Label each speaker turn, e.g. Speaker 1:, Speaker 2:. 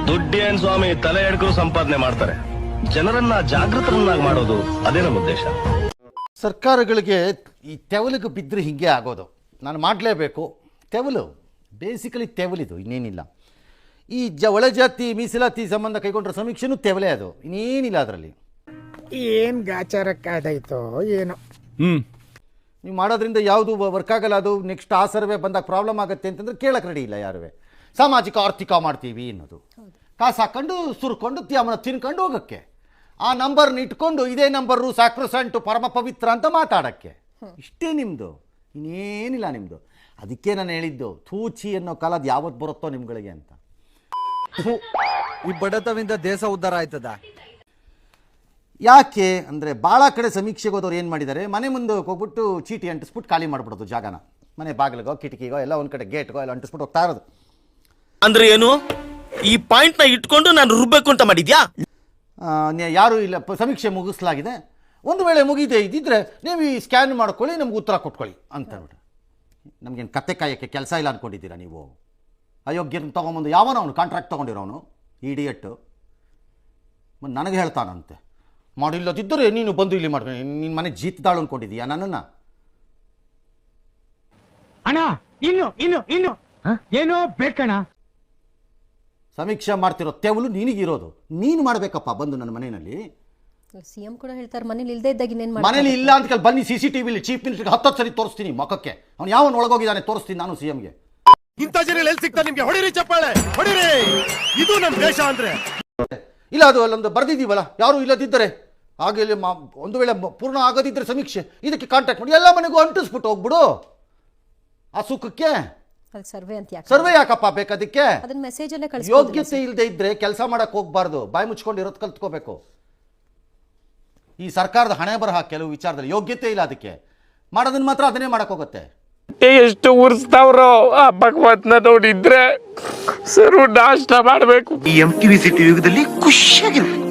Speaker 1: ದುಡ್ಡೇನ್ ಸ್ವಾಮಿ ತಲೆ ಎಡ್ಕರು ಸಂಪಾದನೆ ಮಾಡ್ತಾರೆ. ಜನರನ್ನ ಜಾಗೃತರನ್ನಾಗಿ ಮಾಡೋದು ಅದೇ ನಮ್ಮ ಉದ್ದೇಶ.
Speaker 2: ಸರ್ಕಾರಗಳಿಗೆ ಈ ತೆವಲಿಗೆ ಬಿದ್ದರೆ ಹೀಗೆ ಆಗೋದು. ನಾನು ಮಾಡಲೇಬೇಕು. ತೆವಲು ಬೇಸಿಕಲಿ ತೆವಲಿದು, ಇನ್ನೇನಿಲ್ಲ. ಈ ಒಳಜಾತಿ ಮೀಸಲಾತಿ ಸಂಬಂಧ ಕೈಗೊಂಡ್ರ ಸಮೀಕ್ಷೆನೂ ತೆವಲೇ, ಅದು ಇನ್ನೇನಿಲ್ಲ ಅದರಲ್ಲಿ.
Speaker 3: ಏನು ಗಾಚಾರಕ್ಕಾದಾಯ್ತೋ ಏನೋ.
Speaker 2: ನೀವು ಮಾಡೋದ್ರಿಂದ ಯಾವುದು ವರ್ಕ್ ಆಗಲ್ಲ. ಅದು ನೆಕ್ಸ್ಟ್ ಆ ಸರ್ವೆ ಬಂದಾಗ ಪ್ರಾಬ್ಲಮ್ ಆಗುತ್ತೆ ಅಂತಂದ್ರೆ ಕೇಳಕ್ಕೆ ರೆಡಿ ಇಲ್ಲ ಯಾರುವೆ. ಸಾಮಾಜಿಕ ಆರ್ಥಿಕ ಮಾಡ್ತೀವಿ ಅನ್ನೋದು, ಕಾಸು ಹಾಕೊಂಡು ಸುರ್ಕೊಂಡು ತ್ಯಾಮನ ತಿನ್ಕೊಂಡು ಹೋಗೋಕ್ಕೆ, ಆ ನಂಬರ್ನ ಇಟ್ಕೊಂಡು ಇದೇ ನಂಬರು ಸ್ಯಾಕ್ರೋಸೆಂಟು ಪರಮ ಪವಿತ್ರ ಅಂತ ಮಾತಾಡೋಕ್ಕೆ. ಇಷ್ಟೇ ನಿಮ್ಮದು, ಇನ್ನೇನಿಲ್ಲ ನಿಮ್ಮದು. ಅದಕ್ಕೆ ನಾನು ಹೇಳಿದ್ದು ಥೂಚಿ ಅನ್ನೋ ಕಾಲ ಅದು ಯಾವತ್ತು ಬರುತ್ತೋ ನಿಮ್ಗಳಿಗೆ ಅಂತ.
Speaker 4: ಈ ಬಡತವಿಂದ ದೇಶ ಉದ್ಧಾರ ಆಯ್ತದ.
Speaker 2: ಯಾಕೆ ಅಂದರೆ ಭಾಳ ಕಡೆ ಸಮೀಕ್ಷೆಗೆ ಹೋದವ್ರು ಏನು ಮಾಡಿದ್ದಾರೆ, ಮನೆ ಮುಂದೆ ಹೋಗ್ಬಿಟ್ಟು ಚೀಟಿ ಅಂಟಿಸ್ಬಿಟ್ಟು ಖಾಲಿ ಮಾಡಿಬಿಡೋದು ಜಾಗನ. ಮನೆ ಬಾಗಿಲಿಗೋ ಕಿಟಕಿಗೋ ಎಲ್ಲ ಒಂದು ಕಡೆ ಗೇಟ್ಗೋ ಎಲ್ಲ ಅಂಟಿಸ್ಬಿಟ್ಟು ಹೋಗ್ತಾ ಇರೋದು.
Speaker 5: ಅಂದ್ರೆ ಏನು, ಈ ಪಾಯಿಂಟ್ನ ಇಟ್ಕೊಂಡು ನಾನು ರುಬ್ಬೇಕು ಅಂತ ಮಾಡಿದ್ಯಾ?
Speaker 2: ಯಾರು ಇಲ್ಲ, ಸಮೀಕ್ಷೆ ಮುಗಿಸಲಾಗಿದೆ, ಒಂದು ವೇಳೆ ಮುಗಿದೇ ಇದ್ದಿದ್ರೆ ನೀವು ಈ ಸ್ಕ್ಯಾನ್ ಮಾಡ್ಕೊಳ್ಳಿ, ನಮ್ಗೆ ಉತ್ತರ ಕೊಟ್ಕೊಳ್ಳಿ ಅಂತ ಹೇಳ್ಬಿಟ್ಟು. ನಮಗೇನು ಕತ್ತೆ ಕಾಯೋಕ್ಕೆ ಕೆಲಸ ಇಲ್ಲ ಅಂದ್ಕೊಂಡಿದ್ದೀರಾ ನೀವು? ಅಯೋಗ್ಯರನ್ನ ತೊಗೊಂಬಂದು ಯಾವನೋ ಅವನು ಕಾಂಟ್ರಾಕ್ಟ್ ತೊಗೊಂಡಿರೋನು ಇಡಿಯಟ್ಟು ನನಗೆ ಹೇಳ್ತಾನಂತೆ, ಮಾಡಿಲ್ಲದಿದ್ದರೆ ನೀನು ಬಂದು ಇಲ್ಲಿ ಮಾಡ್ಕೊಂಡು ನಿನ್ನ ಮನೆ ಜೀತದಾಳು ಅಂದ್ಕೊಂಡಿದ್ದೀಯಾ ನನ್ನನ್ನು?
Speaker 3: ಅಣ್ಣ ಇನ್ನು ಇನ್ನು ಇನ್ನು ಏನೋ ಬೇಕಣ್ಣ.
Speaker 2: ಸಮೀಕ್ಷೆ ಮಾಡ್ತಿರೋ ತೆವಲು ನಿನಗಿರೋದು, ನೀನು ಮಾಡಬೇಕಪ್ಪ ಬಂದು ನನ್ನ ಮನೆಯಲ್ಲಿ.
Speaker 6: ಸಿಎಂ ಕೂಡ ಹೇಳ್ತಾರೆ ಮನೇಲಿ ಇಲ್ಲದೆ ಇದ್ದಾಗ ಇನ್ನೇನು
Speaker 2: ಮನೇಲಿ ಇಲ್ಲ ಅಂತ ಕೇಳಿ ಬನ್ನಿ, CCTV ಚೀಫ್ ಮಿನಿಸ್ಟರ್ಗೆ 10 ಸರಿ ತೋರಿಸ್ತೀನಿ ಮೊಕ್ಕಕ್ಕೆ, ಅವ್ನು ಯಾವನು ಒಳಗೋಗಿದ್ದಾನೆ ತೋರಿಸ್ತೀನಿ ನಾನು CMಗೆ.
Speaker 1: ಇಂಥ ಜನ ಎಲ್ಲಿ ಸಿಗ್ತಾರೆ ನಿಮ್ಗೆ? ಹೊಡಿರಿ ಚಪ್ಪಾಳೆ ಹೊಡಿರಿ, ಇದು ನಮ್ಮ ದೇಶ ಅಂದ್ರೆ.
Speaker 2: ಇಲ್ಲ ಅದು ಅಲ್ಲೊಂದು ಬರ್ದಿದ್ದೀವಲ್ಲ, ಯಾರು ಇಲ್ಲದಿದ್ದರೆ ಹಾಗೆ ಒಂದು ವೇಳೆ ಪೂರ್ಣ ಆಗೋದಿದ್ದರೆ ಸಮೀಕ್ಷೆ ಇದಕ್ಕೆ ಕಾಂಟ್ಯಾಕ್ಟ್ ಮಾಡಿ ಎಲ್ಲ ಮನೆಗೂ ಅಂಟಿಸ್ಬಿಟ್ಟು ಹೋಗ್ಬಿಡು ಆ ಸುಖಕ್ಕೆ.
Speaker 6: ಸರ್ವೆ ಅಂತ
Speaker 2: ಸರ್ವೆ ಯಾಕಪ್ಪ ಬೇಕದಕ್ಕೆ?
Speaker 6: ಅದನ್ನ ಮೆಸೇಜ್ ಅಲ್ಲೇ ಕಳಿಸಿ.
Speaker 2: ಯೋಗ್ಯತೆ ಇಲ್ಲದೆ ಇದ್ರೆ ಕೆಲಸ ಮಾಡಕ್ಕೆ ಹೋಗ್ಬಾರ್ದು, ಬಾಯಿ ಮುಚ್ಕೊಂಡು ಇರೋದು ಕಲ್ತ್ಕೋಬೇಕು. ಈ ಸರ್ಕಾರದ ಹಣೆ ಬರಹ ಕೆಲವು ವಿಚಾರದಲ್ಲಿ ಯೋಗ್ಯತೆ ಇಲ್ಲ, ಅದಕ್ಕೆ ಮಾಡೋದನ್ನ ಮಾತ್ರ ಅದನ್ನೇ ಮಾಡಕ್ ಹೋಗುತ್ತೆ.
Speaker 7: ಎಷ್ಟು ಉರ್ಸ್ತಾವ್ರೋ ಆ ಭಗವತ್ನ ನೋಡಿದ್ರೆ ಸರು ನಾಷ್ಟ ಮಾಡಬೇಕು.
Speaker 5: ಈ MTV ಸಿಟಿ ಯುಗದಲ್ಲಿ ಖುಷಿಯಾಗಿರ್ಬೇಕು.